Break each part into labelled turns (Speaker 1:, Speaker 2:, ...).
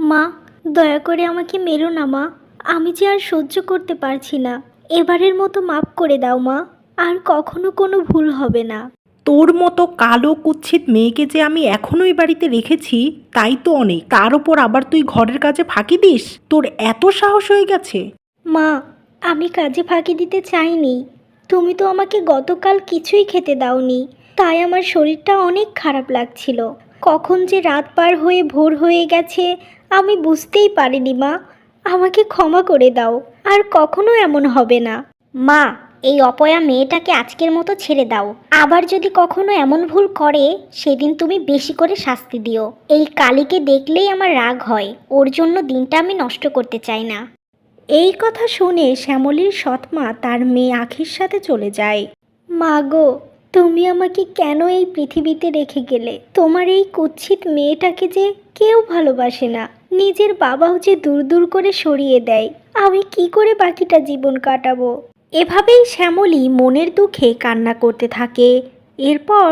Speaker 1: মা, দয়া করে আমাকে মেরো না মা। আমি যে আর সহ্য করতে পারছি না। এবারের মতো মাফ করে দাও মা। আর কখনো কোনো ভুল হবে না।
Speaker 2: তোর মতো কালো কুৎসিত মেয়েকে যে আমি এখনো এই বাড়িতে রেখেছি তাই তো অনেক। তার ওপর আবার তুই ঘরের কাজে ফাঁকি দিস? তোর এত সাহস হয়ে গেছে?
Speaker 1: মা, আমি কাজে ফাঁকি দিতে চাইনি। তুমি তো আমাকে গতকাল কিছুই খেতে দাওনি, তাই আমার শরীরটা অনেক খারাপ লাগছিল। কখন যে রাত পার হয়ে ভোর হয়ে গেছে আমি বুঝতেই পারিনি মা। আমাকে ক্ষমা করে দাও, আর কখনো এমন হবে না। মা, এই অপয়া মেয়েটাকে আজকের মতো ছেড়ে দাও। আবার যদি কখনো এমন ভুল করে সেদিন তুমি বেশি করে শাস্তি দিও। এই কালীকে দেখলেই আমার রাগ হয়। ওর জন্য দিনটা আমি নষ্ট করতে চাই না।
Speaker 2: এই কথা শুনে শ্যামলীর সৎমা তার মেয়ে আখির সাথে চলে যায়।
Speaker 1: মা গো, তুমি আমাকে কেন এই পৃথিবীতে রেখে গেলে? তোমার এই কুৎসিত মেয়েটাকে যে কেউ ভালোবাসে না, নিজের বাবাও যে দূর দূর করে সরিয়ে দেয়। আমি কি করে বাকিটা জীবন কাটাবো?
Speaker 2: এভাবেই শ্যামলী মনের দুঃখে কান্না করতে থাকে। এরপর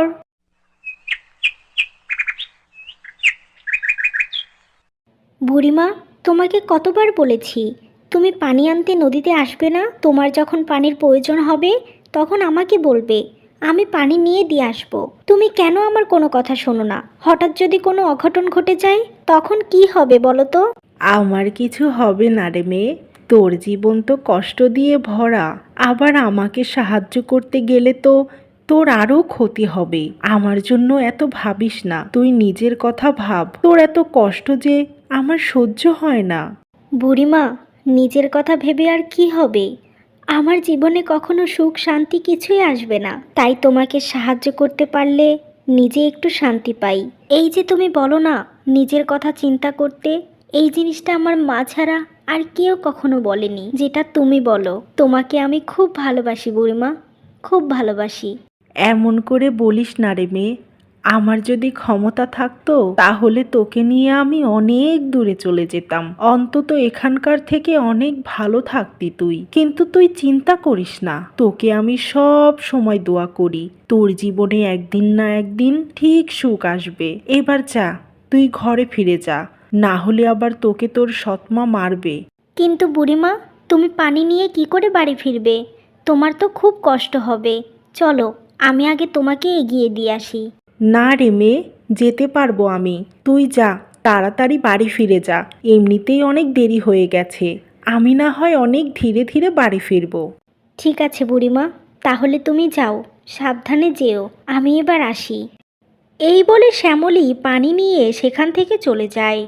Speaker 1: বুড়িমা, তোমাকে কতবার বলেছি তুমি পানি আনতে নদীতে আসবে না। তোমার যখন পানির প্রয়োজন হবে তখন আমাকে বলবে, আমি পানি নিয়ে দিয়ে আসবো। তুমি কেন আমার কোনো কথা শোনো না? হঠাৎ যদি কোনো অঘটন ঘটে যায় তখন কি হবে বলো তো?
Speaker 2: আমার কিছু হবে না রে মেয়ে, তোর জীবন তো কষ্ট দিয়ে ভরা। আবার আমাকে সাহায্য করতে গেলে তো তোর আরও ক্ষতি হবে। আমার জন্য এত ভাবিস না, তুই নিজের কথা ভাব। তোর এত কষ্ট যে আমার সহ্য হয় না।
Speaker 1: বুড়িমা, নিজের কথা ভেবে আর কি হবে? আমার জীবনে কখনো সুখ শান্তি কিছুই আসবে না। তাই তোমাকে সাহায্য করতে পারলে নিজে একটু শান্তি পাই। এই যে তুমি বলো না নিজের কথা চিন্তা করতে, এই জিনিসটা আমার মা ছাড়া আর কেউ কখনো বলেনি যেটা তুমি বলো। তোমাকে আমি খুব ভালোবাসি বুড়িমা, খুব ভালোবাসি।
Speaker 2: এমন করে বলিস না রে মেয়ে। আমার যদি ক্ষমতা থাকতো তাহলে তোকে নিয়ে আমি অনেক দূরে চলে যেতাম। অন্তত এখানকার থেকে অনেক ভালো থাকতি তুই। কিন্তু তুই চিন্তা করিস না, তোকে আমি সব সময় দোয়া করি। তোর জীবনে একদিন না একদিন ঠিক সুখ আসবে। এবার যা, তুই ঘরে ফিরে যা, না হলে আবার তোকে তোর সৎমা মারবে।
Speaker 1: কিন্তু বুড়িমা, তুমি পানি নিয়ে কি করে বাড়ি ফিরবে? তোমার তো খুব কষ্ট হবে। চলো, আমি আগে তোমাকে এগিয়ে দিয়ে আসি।
Speaker 2: না রে মেয়ে, যেতে পারবো আমি। তুই যা, তাড়াতাড়ি বাড়ি ফিরে যা। এমনিতেই অনেক দেরি হয়ে গেছে। আমি না হয় অনেক ধীরে ধীরে বাড়ি ফিরবো।
Speaker 1: ঠিক আছে বুড়িমা, তাহলে তুমি যাও, সাবধানে যেও। আমি এবার আসি।
Speaker 2: এই বলে শ্যামলী পানি নিয়ে সেখান থেকে চলে যায়।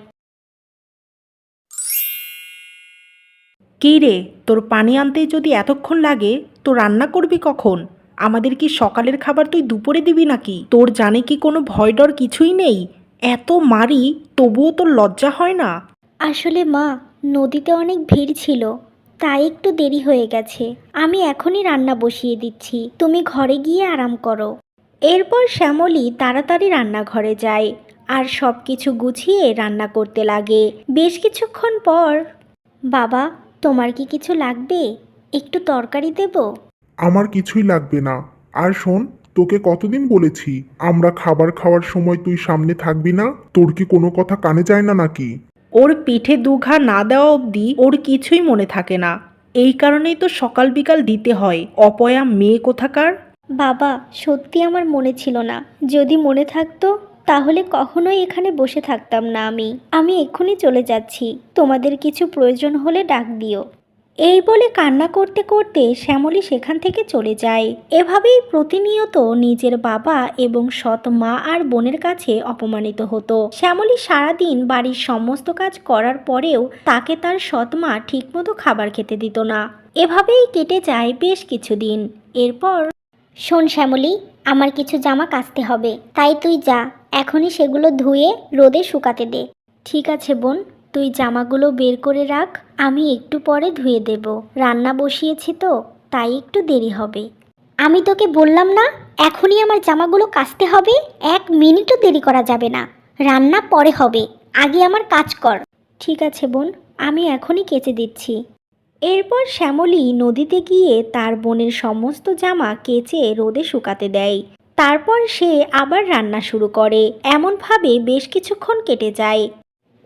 Speaker 2: কী রে, তোর পানি আনতেই যদি এতক্ষণ লাগে তো রান্না করবি কখন? আমাদের কি সকালের খাবার তুই দুপুরে দিবি নাকি? তোর জানে কি কোনো ভয় ডর কিছুই নেই? এত মারি তবুও তোর লজ্জা হয় না?
Speaker 1: আসলে মা, নদীতে অনেক ভিড় ছিল, তাই একটু দেরি হয়ে গেছে। আমি এখনই রান্না বসিয়ে দিচ্ছি, তুমি ঘরে গিয়ে আরাম করো।
Speaker 2: এরপর শ্যামলী তাড়াতাড়ি রান্নাঘরে যায় আর সব কিছু গুছিয়ে রান্না করতে লাগে। বেশ কিছুক্ষণ পর
Speaker 1: বাবা, তোমার কি কিছু লাগবে? একটু তরকারি দেব?
Speaker 3: আমার কিছুই লাগবে না। আর শোন, তোকে কতদিন বলেছি আমরা খাবার খাওয়ার সময় তুই সামনে থাকবি না? তোর কি কোনো কথা কানে যায় না নাকি?
Speaker 2: ওর পিঠে দুঘা না দেওয়া অবধি ওর কিছুই মনে থাকে না। এই কারণেই তো সকাল বিকাল দিতে হয়। অপয়া মেয়ে কোথাকার।
Speaker 1: বাবা, সত্যি আমার মনে ছিল না। যদি মনে থাকতো তাহলে কখনোই এখানে বসে থাকতাম না। আমি এক্ষুনি চলে যাচ্ছি। তোমাদের কিছু প্রয়োজন হলে ডাক দিও।
Speaker 2: এই বলে কান্না করতে করতে শ্যামলী সেখান থেকে চলে যায়। এভাবেই প্রতিনিয়ত নিজের বাবা এবং সৎ মা আর বোনের কাছে অপমানিত হতো। শ্যামলী সারাদিন বাড়ির সমস্ত কাজ করার পরেও তাকে তার সৎ মা ঠিকমতো খাবার খেতে দিত না। এভাবেই কেটে যায় বেশ কিছুদিন। এরপর
Speaker 1: শোন শ্যামলী, আমার কিছু জামা কাচতে হবে, তাই তুই যা এখনই সেগুলো ধুয়ে রোদে শুকাতে দে। ঠিক আছে বোন, তুই জামাগুলো বের করে রাখ, আমি একটু পরে ধুয়ে দেব। রান্না বসিয়েছি তো, তাই একটু দেরি হবে। আমি তোকে বললাম না এখনই আমার জামাগুলো কাচতে হবে? 1 মিনিটও দেরি করা যাবে না। রান্না পরে হবে, আগে আমার কাজ কর। ঠিক আছে বোন, আমি এখনই কেচে দিচ্ছি।
Speaker 2: এরপর শ্যামলী নদীতে গিয়ে তার বোনের সমস্ত জামা কেচে রোদে শুকাতে দেয়। তারপর সে আবার রান্না শুরু করে। এমনভাবে বেশ কিছুক্ষণ কেটে যায়।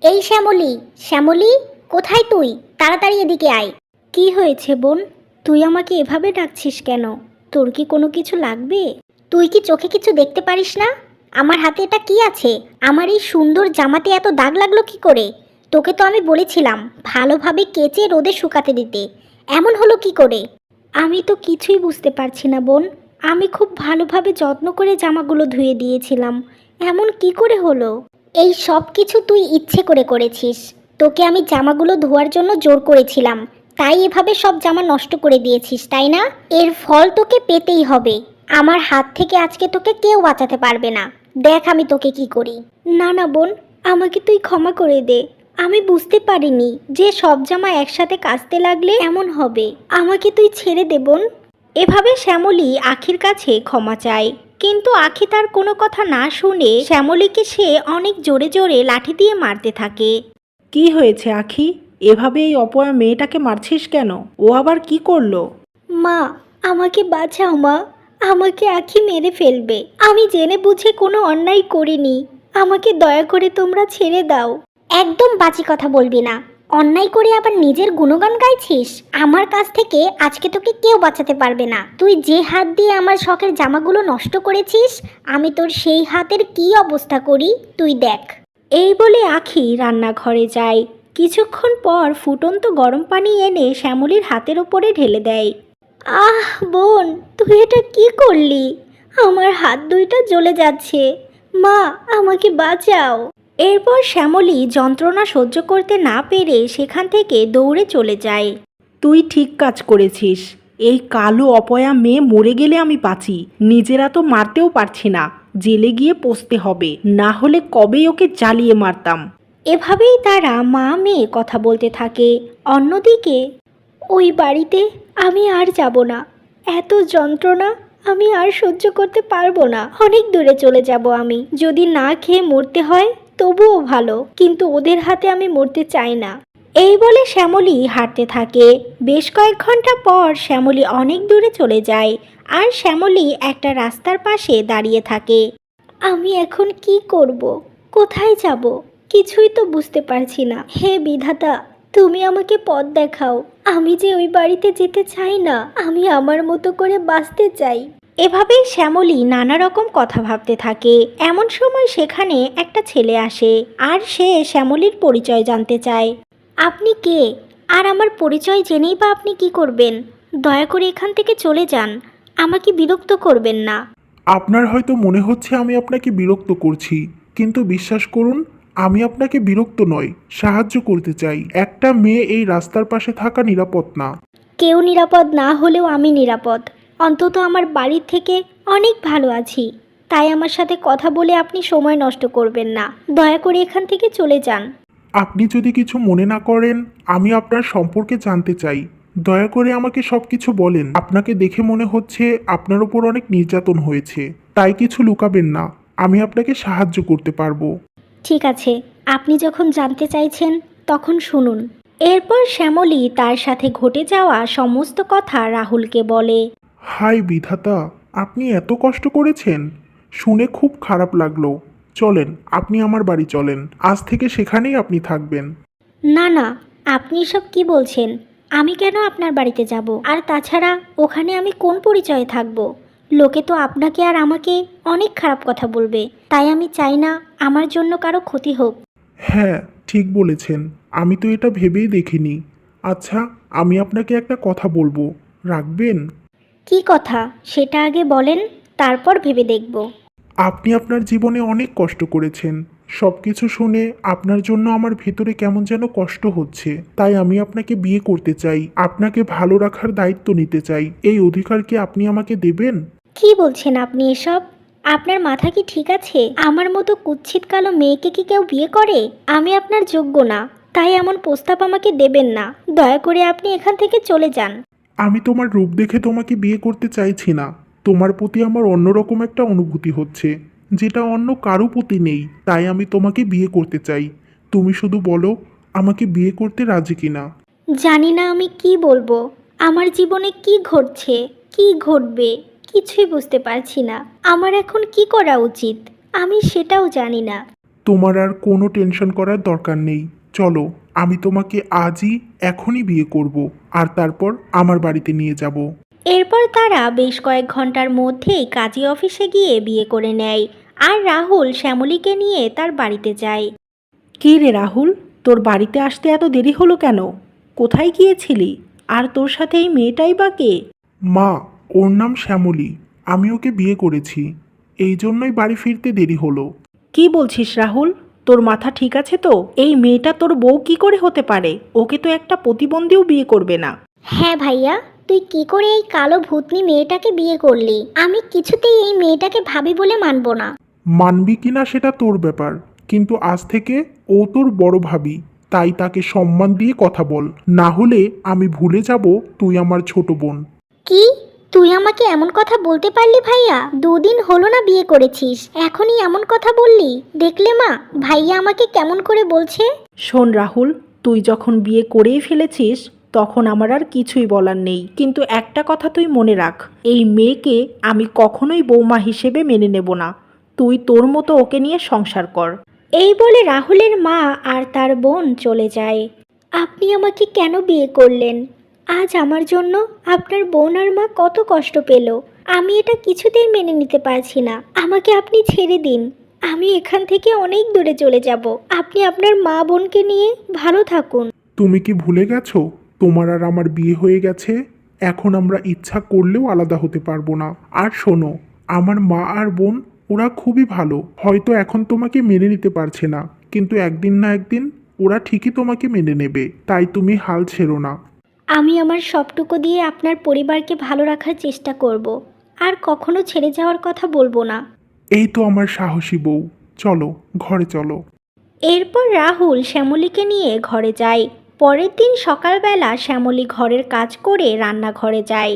Speaker 1: এই শ্যামলী, শ্যামলী, কোথায় তুই? তাড়াতাড়ি এদিকে আয়। কি হয়েছে বোন? তুই আমাকে এভাবে ডাকছিস কেন? তোর কি কোনো কিছু লাগবে? তুই কি চোখে কিছু দেখতে পারিস না? আমার হাতে এটা কি আছে? আমার এই সুন্দর জামাতে এত দাগ লাগলো কি করে? তোকে তো আমি বলেছিলাম ভালোভাবে কেচে রোদে শুকাতে দিতে, এমন হলো কি করে? আমি তো কিছুই বুঝতে পারছি না বোন। আমি খুব ভালোভাবে যত্ন করে জামাগুলো ধুয়ে দিয়েছিলাম, এমন কি করে হলো? এই সব কিছু তুই ইচ্ছে করে করেছিস। তোকে আমি জামাগুলো ধোয়ার জন্য জোর করেছিলাম, তাই এভাবে সব জামা নষ্ট করে দিয়েছিস, তাই না? এর ফল তোকে পেতেই হবে। আমার হাত থেকে আজকে তোকে কেউ বাঁচাতে পারবে না। দেখ আমি তোকে কি করি। না না বোন, আমাকে তুই ক্ষমা করে দে। আমি বুঝতে পারিনি যে সব জামা একসাথে কাচতে লাগলে এমন হবে। আমাকে তুই ছেড়ে দে বোন।
Speaker 2: এভাবে শ্যামলী আখির কাছে ক্ষমা চায়, কিন্তু আখি তার কোনো কথা না শুনে শ্যামলীকে সে অনেক জোরে জোরে লাঠি দিয়ে মারতে থাকে। কি হয়েছে আখি? এভাবে এই অপয়া মেয়েটাকে মারছিস কেন? ও আবার কি করলো?
Speaker 1: মা, আমাকে বাঁচাও মা। আমাকে আখি মেরে ফেলবে। আমি জেনে বুঝে কোনো অন্যায় করিনি। আমাকে দয়া করে তোমরা ছেড়ে দাও। একদম বাজে কথা বলবি না। অন্যায় করে আবার নিজের গুণগান গাইছিস? আমার কাছ থেকে আজকে তোকে কেউ বাঁচাতে পারবে না। তুই যে হাত দিয়ে আমার শখের জামাগুলো নষ্ট করেছিস, আমি তোর সেই হাতের কি অবস্থা করি তুই দেখ।
Speaker 2: এই বলে আখি রান্নাঘরে যায়। কিছুক্ষণ পর ফুটন্ত গরম পানি এনে শ্যামলীর হাতের ওপরে ঢেলে দেয়।
Speaker 1: আহ বোন, তুই এটা কি করলি? আমার হাত দুইটা জ্বলে যাচ্ছে। মা, আমাকে বাঁচাও।
Speaker 2: এরপর শ্যামলী যন্ত্রণা সহ্য করতে না পেরে সেখান থেকে দৌড়ে চলে যায়। তুই ঠিক কাজ করেছিস। এই কালো অপয়া মেয়ে মরে গেলে আমি বাঁচি, নিজেরা তো মারতেও পারছি না। জেলে গিয়ে পচতে হবে, না হলে কবেই ওকে জ্বালিয়ে মারতাম। এভাবেই তারা মা মেয়ে কথা বলতে থাকে। অন্যদিকে
Speaker 1: ওই বাড়িতে আমি আর যাব না। এত যন্ত্রণা আমি আর সহ্য করতে পারবো না। অনেক দূরে চলে যাব আমি। যদি না খেয়ে মরতে হয় তবুও ভালো, কিন্তু ওদের হাতে আমি মরতে চাই না।
Speaker 2: এই বলে শ্যামলী হাঁটতে থাকে। বেশ কয়েক ঘন্টা পর শ্যামলী অনেক দূরে চলে যায়, আর শ্যামলী একটা রাস্তার পাশে দাঁড়িয়ে থাকে।
Speaker 1: আমি এখন কি করব? কোথায় যাব? কিছুই তো বুঝতে পারছি না। হে বিধাতা, তুমি আমাকে পথ দেখাও। আমি যে ওই বাড়িতে যেতে চাই না। আমি আমার মতো করে বাঁচতে চাই।
Speaker 2: এভাবেই শ্যামলী নানা রকম কথা ভাবতে থাকে। এমন সময় সেখানে একটা ছেলে আসে, আর সে শ্যামলীর পরিচয় জানতে চায়।
Speaker 1: আপনি কে? আর আমার পরিচয় জেনেই বা আপনি কি করবেন? দয়া করে এখান থেকে চলে যান। আমাকে বিরক্ত করবেন না।
Speaker 3: আপনার হয়তো মনে হচ্ছে আমি আপনাকে বিরক্ত করছি, কিন্তু বিশ্বাস করুন, আমি আপনাকে বিরক্ত নয়, সাহায্য করতে চাই। একটা মেয়ে এই রাস্তার পাশে থাকা নিরাপদ না।
Speaker 1: কেউ নিরাপদ না হলেও আমি নিরাপদ। অন্তত আমার বাড়ির থেকে অনেক ভালো আছি। তাই আমার সাথে কথা বলে আপনি সময় নষ্ট করবেন না। দয়া করে এখান থেকে চলে যান।
Speaker 3: আপনি যদি কিছু মনে না করেন, আমি আপনার সম্পর্কে জানতে চাই। দয়া করে আমাকে সব কিছু বলেন। আপনাকে দেখে মনে হচ্ছে আপনার উপর অনেক নির্যাতন হয়েছে, তাই কিছু লুকাবেন না। আমি আপনাকে সাহায্য করতে পারবো।
Speaker 1: ঠিক আছে, আপনি যখন জানতে চাইছেন তখন শুনুন।
Speaker 2: এরপর শ্যামলী তার সাথে ঘটে যাওয়া সমস্ত কথা রাহুলকে বলে।
Speaker 3: হাই বিধাতা, আপনি এত কষ্ট করেছেন, শুনে খুব খারাপ লাগলো। চলেন, আপনি আমার বাড়ি চলেন। আজ থেকে সেখানেই আপনি থাকবেন।
Speaker 1: না না, আপনি সব কি বলছেন? আমি কেন আপনার বাড়িতে যাব? আর তাছাড়া ওখানে আমি কোন পরিচয়ে থাকব? লোকে তো আপনাকে আর আমাকে অনেক খারাপ কথা বলবে। তাই আমি চাই না আমার জন্য কারো ক্ষতি হোক।
Speaker 3: হ্যাঁ, ঠিক বলেছেন। আমি তো এটা ভেবেই দেখিনি। আচ্ছা, আমি আপনাকে একটা কথা বলবো, রাখবেন?
Speaker 1: কি কথা সেটা আগে বলেন, তারপর ভেবে দেখব।
Speaker 3: আপনি আপনার জীবনে অনেক কষ্ট করেছেন। সব কিছু শুনে আপনার জন্য আমার ভেতরে কেমন যেন কষ্ট হচ্ছে। তাই আমি আপনাকে বিয়ে করতে চাই, আপনাকে ভালো রাখার দায়িত্ব নিতে চাই। এই অধিকার কি আপনি আমাকে দেবেন?
Speaker 1: কি বলছেন আপনি এসব? আপনার মাথা কি ঠিক আছে? আমার মতো কুৎসিত কালো মেয়েকে কি কেউ বিয়ে করে? আমি আপনার যোগ্য না, তাই এমন প্রস্তাব আমাকে দেবেন না। দয়া করে আপনি এখান থেকে চলে যান।
Speaker 3: আমি তোমার রূপ দেখে তোমাকে বিয়ে করতে চাইছি না। তোমার প্রতি আমার অন্যরকম একটা অনুভূতি হচ্ছে, যেটা অন্য কারো প্রতি নেই। তাই আমি তোমাকে বিয়ে করতে চাই। তুমি শুধু বলো, আমাকে বিয়ে করতে রাজি কিনা।
Speaker 1: জানি না আমি কি বলবো। আমার জীবনে কি ঘটছে, কি ঘটবে, কিছুই বুঝতে পারছি না। আমার এখন কি করা উচিত আমি সেটাও জানি না।
Speaker 3: তোমার আর কোনো টেনশন করার দরকার নেই। চলো, আমি তোমাকে আজই এখনই বিয়ে করব, আর তারপর আমার বাড়িতে নিয়ে যাব।
Speaker 1: এরপর তারা বেশ কয়েক ঘন্টার মধ্যেই কাজী অফিসে গিয়ে বিয়ে করে নেয়। আর রাহুল শ্যামলীকে নিয়ে তার বাড়িতে যায়।
Speaker 2: কী রে রাহুল, তোর বাড়িতে আসতে এত দেরি হলো কেন? কোথায় গিয়েছিলি? আর তোর সাথে এই মেয়েটাই বা কে?
Speaker 3: মা, ওর নাম শ্যামলী। আমি ওকে বিয়ে করেছি, এই জন্যই বাড়ি ফিরতে দেরি হলো।
Speaker 2: কি বলছিস রাহুল? তোর মাথা ঠিক আছে তো? এই মেয়েটা তোর বউ কি করে হতে পারে? ওকে তো একটা প্রতিবন্ধীও বিয়ে করবে না।
Speaker 1: হ্যাঁ ভাইয়া, তুই কি করে এই কালো ভূতনি মেয়েটাকে বিয়ে করলি? আমি কিছুতেই এই মেয়েটাকে ভাবি বলে মানব না।
Speaker 3: মানবি কিনা সেটা তোর ব্যাপার, কিন্তু আজ থেকে ও তোর বড় ভাবি, তাই তাকে সম্মান দিয়ে কথা বল, না হলে আমি ভুলে যাব তুই আমার ছোট বোন।
Speaker 1: কি? তুই আমাকে এমন কথা বলতে পারলি ভাইয়া? দুদিন হলো না বিয়ে করেছিস, এখনই এমন কথা বললি? দেখলে মা, ভাইয়া আমাকে কেমন করে বলছে।
Speaker 2: শোন রাহুল, তুই যখন বিয়ে করেই ফেলেছিস তখন আমার আর কিছুই বলার নেই, কিন্তু একটা কথা তুই মনে রাখ, এই মেয়েকে আমি কখনোই বৌমা হিসেবে মেনে নেব না। তুই তোর মতো ওকে নিয়ে সংসার কর।
Speaker 1: এই বলে রাহুলের মা আর তার বোন চলে যায়। আপনি আমাকে কেন বিয়ে করলেন? আজ আমার জন্য আপনার বোন আর মা কত কষ্ট পেল। আমি এটা কিছুতেই মেনে নিতে পারছি না। আমাকে আপনি ছেড়ে দিন, আমি এখান থেকে অনেক দূরে চলে যাব। আপনি আপনার মা বোনকে নিয়ে ভালো থাকুন।
Speaker 3: তুমি কি ভুলে গেছো তোমার আর আমার বিয়ে হয়ে গেছে? এখন আমরা ইচ্ছা করলেও আলাদা হতে পারবো না। আর শোনো, আমার মা আর বোন ওরা খুবই ভালো, হয়তো এখন তোমাকে মেনে নিতে পারছে না, কিন্তু একদিন না একদিন ওরা ঠিকই তোমাকে মেনে নেবে, তাই তুমি হাল ছেড়ো না।
Speaker 1: আমি আমার সবটুকু দিয়ে আপনার পরিবারকে ভালো রাখার চেষ্টা করব। আর কখনো ছেড়ে যাওয়ার কথা বলবো না।
Speaker 3: এই তো আমার সাহসী বউ, চলো ঘরে চলো।
Speaker 1: এরপর রাহুল শ্যামলীকে নিয়ে ঘরে যায়। পরের দিন সকালবেলা শ্যামলী ঘরের কাজ করে রান্নাঘরে যায়।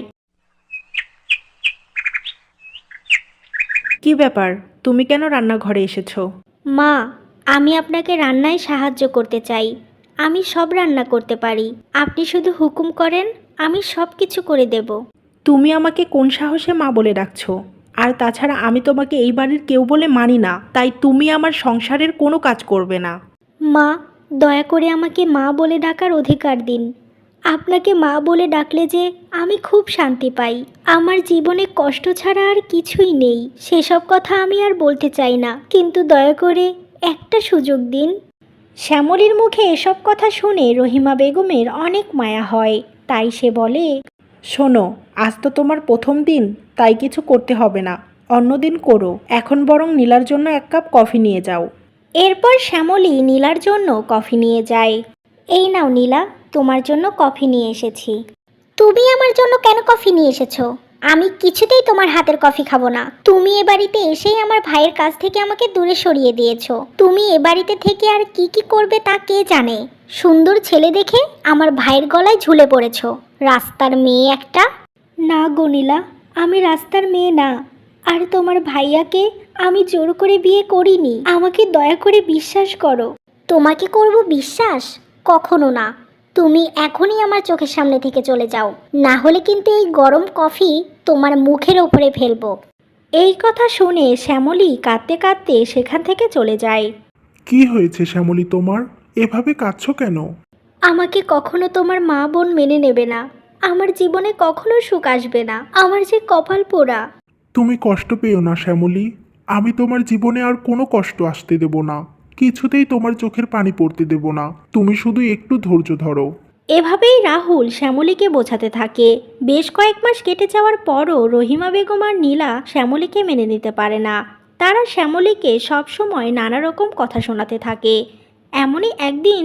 Speaker 2: কি ব্যাপার, তুমি কেন রান্নাঘরে এসেছো?
Speaker 1: মা, আমি আপনাকে রান্নায় সাহায্য করতে চাই। আমি সব রান্না করতে পারি, আপনি শুধু হুকুম করেন, আমি সব কিছু করে দেব।
Speaker 2: তুমি আমাকে কোন সাহসে মা বলে ডাকছো? আর তাছাড়া আমি তোমাকে এই বাড়ির কেউ বলে মানি না, তাই তুমি আমার সংসারের কোনো কাজ করবে না।
Speaker 1: মা, দয়া করে আমাকে মা বলে ডাকার অধিকার দিন। আপনাকে মা বলে ডাকলে যে আমি খুব শান্তি পাই। আমার জীবনে কষ্ট ছাড়া আর কিছুই নেই। সেসব কথা আমি আর বলতে চাই না, কিন্তু দয়া করে একটা সুযোগ দিন। শ্যামলীর মুখে এসব কথা শুনে রহিমা বেগমের অনেক মায়া হয়, তাই সে বলে,
Speaker 2: শোনো, আজ তো তোমার প্রথম দিন, তাই কিছু করতে হবে না, অন্যদিন করো। এখন বরং নীলার জন্য এক কাপ কফি নিয়ে যাও।
Speaker 1: এরপর শ্যামলী নীলার জন্য কফি নিয়ে যায়। এই নাও নীলা, তোমার জন্য কফি নিয়ে এসেছি। তুমি আমার জন্য কেন কফি নিয়ে এসেছো? আমি কিছুতেই তোমার হাতের কফি খাবো না। তুমি এ বাড়িতে এসেই আমার ভাইয়ের কাছ থেকে আমাকে দূরে সরিয়ে দিয়েছো। তুমি এ বাড়িতে থেকে আর কি কি করবে তা কে জানে। সুন্দর ছেলে দেখে আমার ভাইয়ের গলায় ঝুলে পড়েছো, রাস্তার মেয়ে একটা। না গো নীলা, আমি রাস্তার মেয়ে না। আর তোমার ভাইয়াকে আমি জোর করে বিয়ে করিনি। আমাকে দয়া করে বিশ্বাস করো। তোমাকে করব বিশ্বাস? কখনো না। তুমি এখনই আমার চোখের সামনে থেকে চলে যাও, না হলে কিন্তু এই গরম কফি তোমার মুখের ওপরে ফেলবো। এই কথা শুনে শ্যামলী কাঁদতে কাঁদতে সেখান থেকে চলে যায়।
Speaker 3: কি হয়েছে শ্যামলী তোমার? এভাবে কাঁদছো কেন?
Speaker 1: আমাকে কখনো তোমার মা বোন মেনে নেবে না। আমার জীবনে কখনো সুখ আসবে না। আমার যে কপাল পোড়া।
Speaker 3: তুমি কষ্ট পেও না শ্যামলী, আমি তোমার জীবনে আর কোনো কষ্ট আসতে দেব না, কিছুতেই তোমার চোখের পানি পড়তে দেব না। তুমি শুধু একটু ধৈর্য ধরো।
Speaker 1: এভাবেই রাহুল শ্যামলীকে বোঝাতে থাকে। বেশ কয়েক মাস কেটে যাওয়ার পরও রহিমা বেগম আর নীলা শ্যামলীকে মেনে নিতে পারে না। তারা শ্যামলীকে সবসময় নানা রকম কথা শোনাতে থাকে। এমনই একদিন,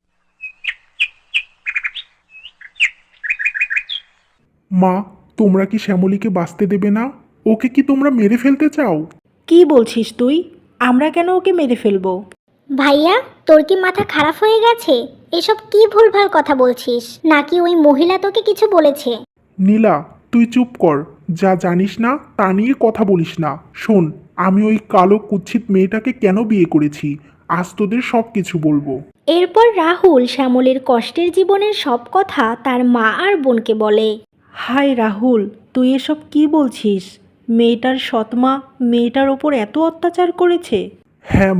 Speaker 3: মা, তোমরা কি শ্যামলীকে বাঁচতে দেবে না? ওকে কি তোমরা মেরে ফেলতে চাও?
Speaker 2: কি বলছিস তুই? আমরা কেন ওকে মেরে ফেলবো?
Speaker 1: ভাইয়া, তোর কি মাথা খারাপ হয়ে গেছে? এসব কি ভুলভাল কথা বলছিস? নাকি ওই মহিলা তোকে কিছু বলেছে?
Speaker 3: নীলা, তুই চুপ কর, যা জানিস না তা নিয়ে কথা বলিস না। শোন, আমি ওই কালো কুৎসিত মেয়েটাকে কেন বিয়ে করেছি, আজ তোদের সব কিছু বলবো।
Speaker 1: এরপর রাহুল শ্যামলীর কষ্টের জীবনের সব কথা তার মা আর বোনকে বলে।
Speaker 2: হায় রাহুল, তুই এসব কি বলছিস? মেয়েটার সৎমা মেয়েটার ওপর এত অত্যাচার করেছে?
Speaker 3: হ্যাঁ মা,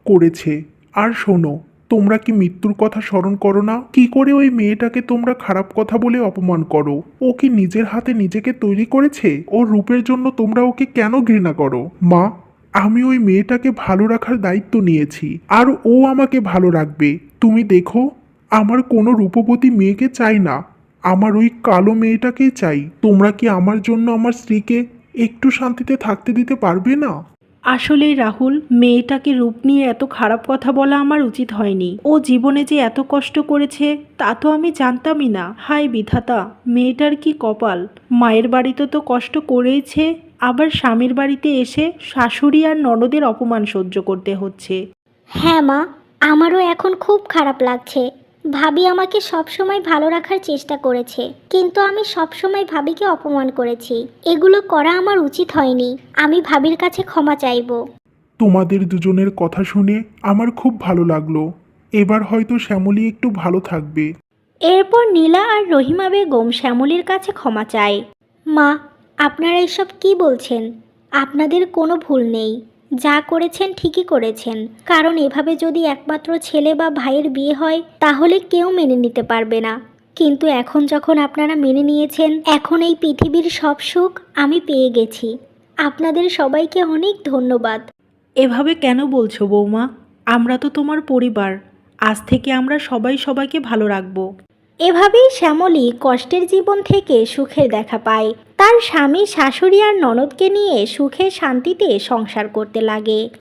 Speaker 3: করেছে। আর শোনো, তোমরা কি মৃত্যুর কথা স্মরণ করো না? কি করে ওই মেয়েটাকে তোমরা খারাপ কথা বলে অপমান করো? ও কি নিজের হাতে নিজেকে তৈরি করেছে? ওর রূপের জন্য তোমরা ওকে কেন ঘৃণা করো? মা, আমি ওই মেয়েটাকে ভালো রাখার দায়িত্ব নিয়েছি, আর ও আমাকে ভালো রাখবে। তুমি দেখো, আমার কোনো রূপবতী মেয়েকে চাই না, আমার ওই কালো মেয়েটাকেই চাই। তোমরা কি আমার জন্য আমার স্ত্রীকে একটু শান্তিতে থাকতে দিতে পারবে না?
Speaker 2: আসলেই রাহুল, মেয়েটাকে রূপ নিয়ে এত খারাপ কথা বলা আমার উচিত হয়নি। ও জীবনে যে এত কষ্ট করেছে তা তো আমি জানতামই না। হায় বিধাতা, মেয়েটার কি কপাল। মায়ের বাড়িতে তো কষ্ট করেইছে, আবার স্বামীর বাড়িতে এসে শাশুড়ি আর ননদের অপমান সহ্য করতে হচ্ছে।
Speaker 1: হ্যাঁ মা, আমারও এখন খুব খারাপ লাগছে। ভাবি আমাকে সবসময় ভালো রাখার চেষ্টা করেছে, কিন্তু আমি সবসময় ভাবিকে অপমান করেছি। এগুলো করা আমার উচিত হয়নি। আমি ভাবির কাছে ক্ষমা চাইবো।
Speaker 3: তোমাদের দুজনের কথা শুনে আমার খুব ভালো লাগলো। এবার হয়তো শ্যামলী একটু ভালো থাকবে।
Speaker 1: এরপর নীলা আর রহিমা বেগম শ্যামলীর কাছে ক্ষমা চায়। মা, আপনারা এসব কি বলছেন? আপনাদের কোনো ভুল নেই। যা করেছেন ঠিকই করেছেন, কারণ এভাবে যদি একমাত্র ছেলে বা ভাইয়ের বিয়ে হয় তাহলে কেউ মেনে নিতে পারবে না। কিন্তু এখন যখন আপনারা মেনে নিয়েছেন, এখন এই পৃথিবীর সব সুখ আমি পেয়ে গেছি। আপনাদের সবাইকে অনেক ধন্যবাদ।
Speaker 2: এভাবে কেন বলছো বৌমা? আমরা তো তোমার পরিবার। আজ থেকে আমরা সবাই সবাইকে ভালো রাখবো।
Speaker 1: এভাবেই শ্যামলী কষ্টের জীবন থেকে সুখের দেখা পায়। তার স্বামী, শাশুড়ি আর ননদকে নিয়ে সুখে শান্তিতে সংসার করতে লাগে।